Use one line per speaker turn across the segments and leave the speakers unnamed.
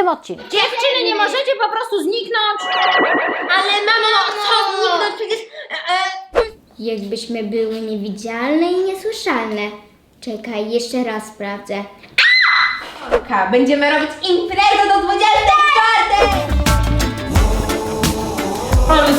następnym odcinku.
Dziewczyny, nie możecie po prostu zniknąć. Ale mamo, no co zniknąć? Przecież...
Jakbyśmy były niewidzialne i niesłyszalne. Czekaj, jeszcze raz sprawdzę.
Będziemy robić imprezę do 24! Ale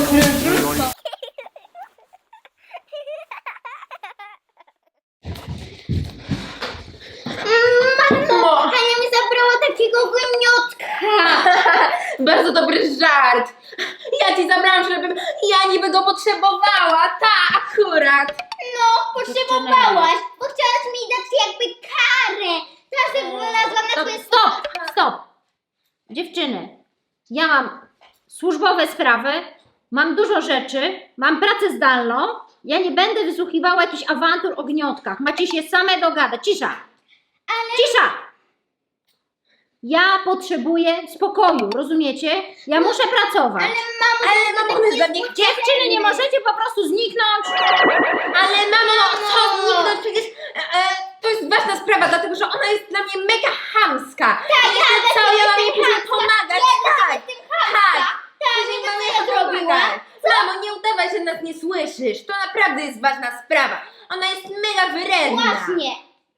Mamo, Hania mi zabrała takiego gniotka.
bardzo dobry żart. Ja ci zabrałam, żebym ja niby go potrzebowała. Ta akurat.
No, potrzebowałaś, bo chciałaś mi dać jakby karę. Teraz jak wylazłam na twoje...
Stop! Dziewczyny, ja mam służbowe sprawy, mam dużo rzeczy, mam pracę zdalną, ja nie będę wysłuchiwała jakichś awantur o gniotkach. Macie się same dogadać. Cisza! Cisza! Ja potrzebuję spokoju, rozumiecie? Ja muszę pracować.
Ale mamo, my za nich...
Dziewczyny, nie możecie po prostu zniknąć.
Ale mamo, no co zniknąć? Przecież to jest ważna sprawa, dlatego że ona jest dla mnie mega chamska. Tak, ja mam jej później pomagać. Tak. Później mam jej pomagać. Mamo, nie udawaj, że nas nie słyszysz. To naprawdę jest ważna sprawa. Ona jest mega wredna.
Właśnie.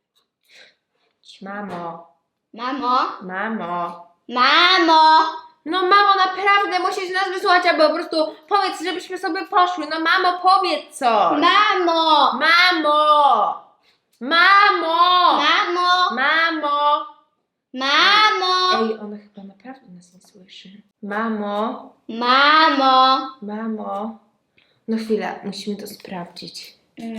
Mamo.
Mamo.
No mamo, naprawdę musisz nas wysłuchać, albo po prostu powiedz, żebyśmy sobie poszły. No mamo, powiedz coś.
Mamo.
Ej, ona chyba naprawdę nas nie słyszy. Mamo. No chwila, musimy to sprawdzić.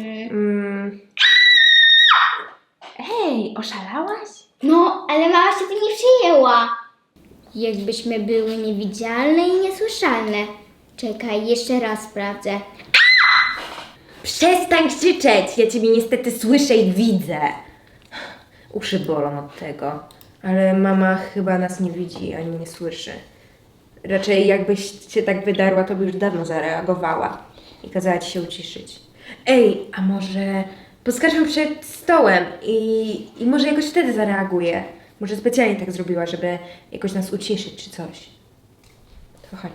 Ej, oszalałaś?
No, ale mama się tym nie przyjęła. Jakbyśmy były niewidzialne i niesłyszalne. Czekaj, jeszcze raz sprawdzę.
Przestań krzyczeć! Ja ciebie niestety słyszę i widzę. Uszy bolą od tego. Ale mama chyba nas nie widzi ani nie słyszy. Raczej jakbyś się tak wydarła, to by już dawno zareagowała i kazała ci się uciszyć. Ej, a może poskarżmy przed stołem i może jakoś wtedy zareaguje. Może specjalnie tak zrobiła, żeby jakoś nas uciszyć czy coś. To chodź.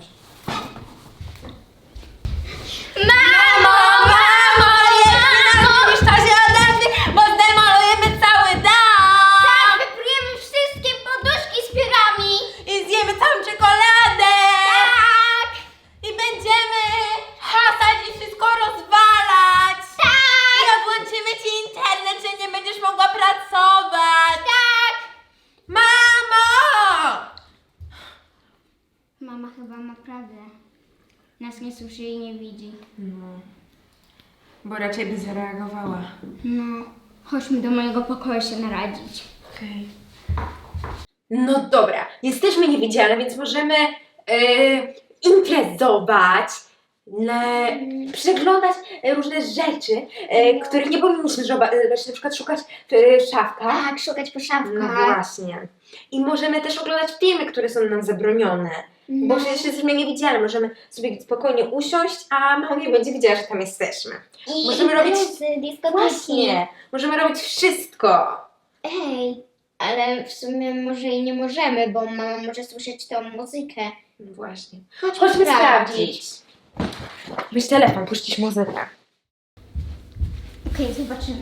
Mamo! Jest na się odezwij, bo zdemolujemy cały dom!
Tak, wyprujemy wszystkie poduszki z piórami.
I zjemy całą czekoladę!
Tak.
I będziemy hasać i wszystko rozwalać!
Tak.
I odłączymy ci internet, że nie będziesz mogła pracować!
Tak.
Mamo!
Mama chyba naprawdę nas nie słyszy i nie widzi.
No, bo raczej by zareagowała.
No, chodźmy do mojego pokoju się naradzić.
Okej. No dobra, jesteśmy niewidzialne, więc możemy imprezować, przeglądać różne rzeczy, których nie powinniśmy zobaczyć, na przykład szukać w szafkach.
Tak, szukać po szafkach.
No właśnie. I możemy też oglądać filmy, które są nam zabronione. Bo
No.
przecież jesteśmy niewidzialne, możemy sobie spokojnie usiąść, a mama nie będzie widziała, że tam jesteśmy.
I
Możemy robić...
dyskoteki.
Właśnie, możemy robić wszystko.
Ej, ale w sumie może i nie możemy, bo mama może słyszeć tą muzykę.
No właśnie.
Chodźmy
sprawdzić. Weź telefon, puścić muzykę.
Okej, zobaczymy.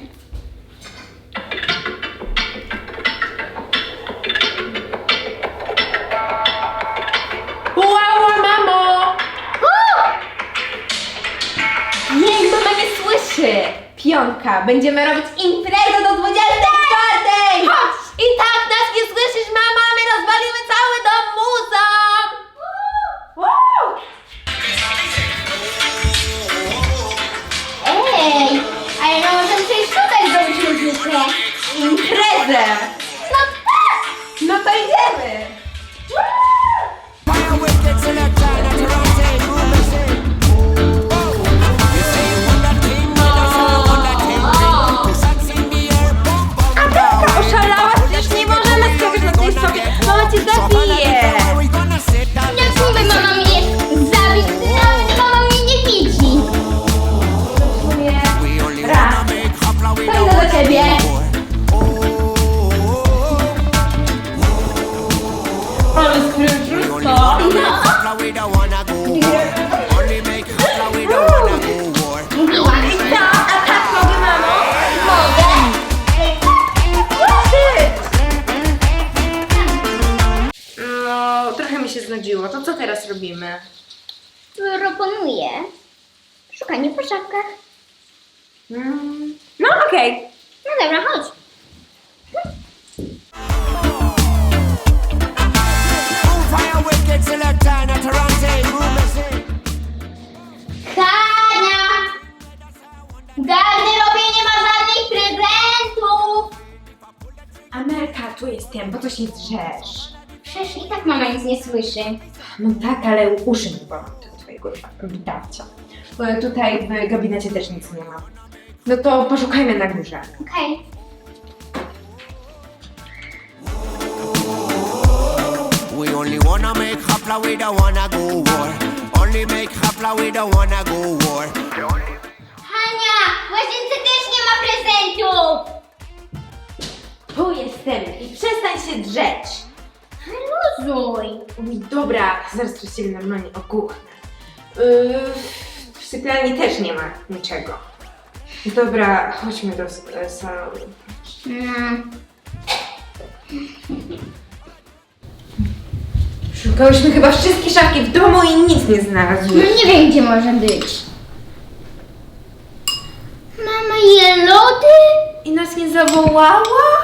Wow, mamo! Jej, mama nie słyszy! Piątka, będziemy robić imprezę do 24! Chodź! I tak nas nie słyszysz, mama, my rozwalimy cały dom muzą!
Ej, ale no możemy sobie tutaj zrobić muzykę.
Imprezę!
No tak!
No to idziemy! Oszalałaś? Przecież nie możemy skakać na tej sobie. Mama cię zabije!
Jak mówię, mama mnie zabić, nawet mama mnie nie widzi.
Raz. To idę do ciebie. Ale
we don't wanna go war. Only make holla, we don't wanna go war.
Mówiłam.
A tak mogę, mamo?
Mogę.
No, trochę mi się znudziło. To co teraz robimy?
Proponuję szukanie po szafkach.
No okej.
No dobra, chodź.
Move fire wicked till a turn at Toronto. Move the same.
Hania! W garderobie nie ma żadnych prezentów!
Amelka, tu jestem, po co się drzesz?
Przecież i tak mama nic nie słyszy.
No tak, ale uszy mi bolą tego twojego witarcia. Tutaj w gabinecie też nic nie ma. No to poszukajmy na górze.
Okej.
We only wanna make holla, we don't wanna go war. Only make holla, we don't wanna go war.
Hania! W łazience też nie ma prezentów!
Tu jestem i przestań się drzeć.
Luzuj!
Dobra, zaraz tu się normalnie okuchnę. W sypialni też nie ma niczego. Dobra, chodźmy do salonu. Szukałyśmy chyba wszystkie szafki w domu i nic nie
No
znalazłyśmy.
nie wiem, gdzie może być. Mama je lody?
I nas nie zawołała?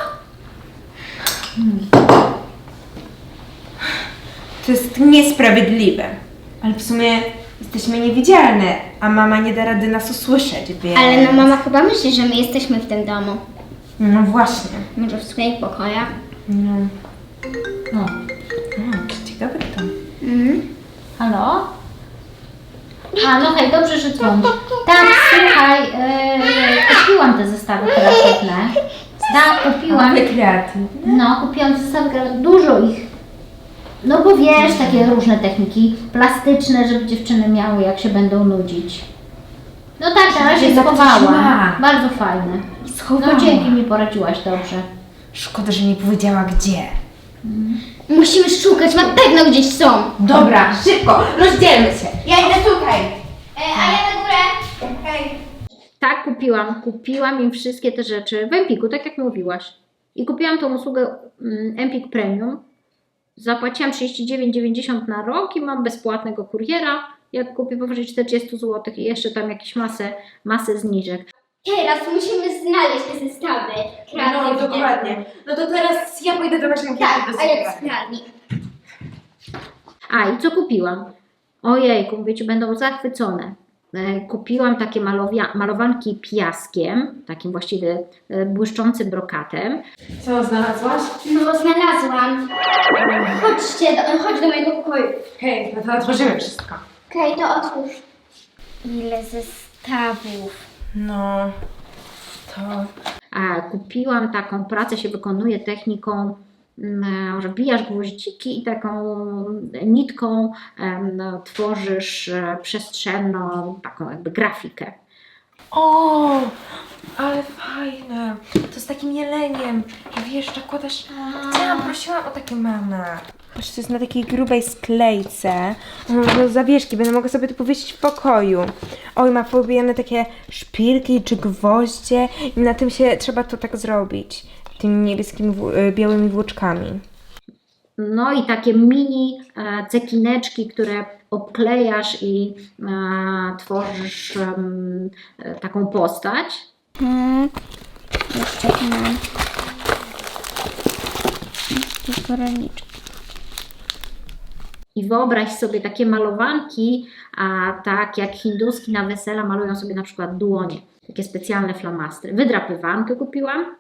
To jest niesprawiedliwe. Ale w sumie jesteśmy niewidzialne, a mama nie da rady nas usłyszeć, więc...
Ale no mama chyba myśli, że my jesteśmy w tym domu.
No właśnie.
Może w swoich pokojach.
No. O, ciekawe to.
Halo? A, no hej, dobrze, że dzwonisz. Tak, słuchaj, kupiłam te zestawy kreatywne. Tak, kupiłam.
Mamy kreatywne.
No, kupiłam te zestawy kreatywne, dużo ich. No bo wiesz, takie różne techniki plastyczne, żeby dziewczyny miały, jak się będą nudzić. No tak, na razie
Jednak coś
schowałam.
ma.
Bardzo fajne.
Schowała.
No dzięki, mi poradziłaś dobrze.
Szkoda, że nie powiedziała gdzie.
Musimy szukać, na pewno gdzieś są.
Dobra, szybko, rozdzielmy się. Ja idę tutaj.
A ja na górę.
Tak, kupiłam im wszystkie te rzeczy w Empiku, tak jak mówiłaś. I kupiłam tą usługę Empik Premium. Zapłaciłam 39,90 na rok i mam bezpłatnego kuriera, jak kupię powyżej 40 zł i jeszcze tam jakieś masę zniżek.
Teraz musimy znaleźć te zestawy kreatywne.
No dokładnie. No to teraz ja pójdę do łazienki.
Tak,
do
a jak
sypialni.
sprawni.
A i co kupiłam? Ojejku, mówię ci, będą zachwycone. Kupiłam takie malowanki piaskiem, takim właściwie błyszczącym brokatem.
Co znalazłaś?
No znalazłam. Chodź do mojego pokoju.
Hej, no to otworzymy wszystko.
Okej, to otwórz. Ile zestawów.
No, to...
A kupiłam taką pracę, się wykonuje techniką, że wbijasz gwoździki i taką nitką tworzysz przestrzenną, taką jakby grafikę.
O, ale fajne. To z takim jeleniem. I wiesz, zakładasz... Prosiłam o takie mamę. Patrz, to jest na takiej grubej sklejce. No, zawieszki, będę mogła sobie to powiesić w pokoju. Oj, ma pobijane takie szpilki czy gwoździe i na tym się trzeba to tak zrobić. Tymi niebieskimi, białymi włóczkami.
No i takie mini cekineczki, które obklejasz i tworzysz taką postać.
Jeszcze mam. Koroniczki.
I wyobraź sobie takie malowanki, tak jak hinduski na wesela malują sobie na przykład dłonie. Takie specjalne flamastry. Wydrapywankę kupiłam.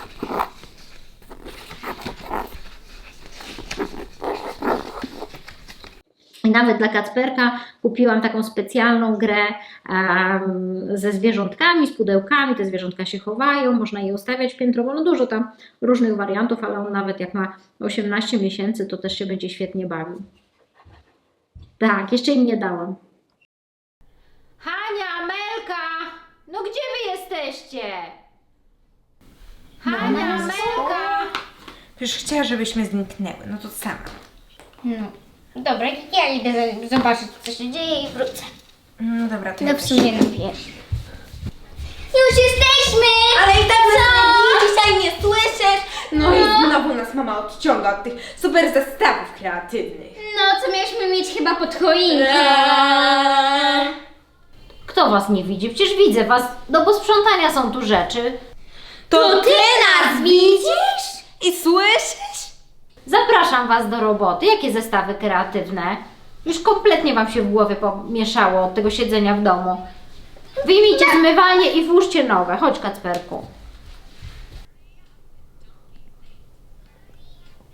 I nawet dla Kacperka kupiłam taką specjalną grę ze zwierzątkami, z pudełkami. Te zwierzątka się chowają, można je ustawiać piętrowo. No dużo tam różnych wariantów, ale on nawet jak ma 18 miesięcy, to też się będzie świetnie bawił. Tak, jeszcze im nie dałam. Hania, Amelka! No gdzie wy jesteście? Hania, Amelka!
Przecież chciała, żebyśmy zniknęły. No to sama.
No. Dobra, ja idę zobaczyć, co się dzieje i wrócę.
No dobra, to
No
ja
w
też.
sumie najpierw. Już jesteśmy!
Ale i tak nas nie dzisiaj nie słyszysz. No i znowu nas mama odciąga od tych super zestawów kreatywnych.
No, co mieliśmy mieć chyba pod choinkę?
Kto was nie widzi? Przecież widzę was. Do posprzątania są tu rzeczy.
To ty nas widzisz i słyszysz?
Zapraszam was do roboty. Jakie zestawy kreatywne? Już kompletnie wam się w głowie pomieszało od tego siedzenia w domu. Wyjmijcie zmywalnię i włóżcie nowe. Chodź, Kacperku.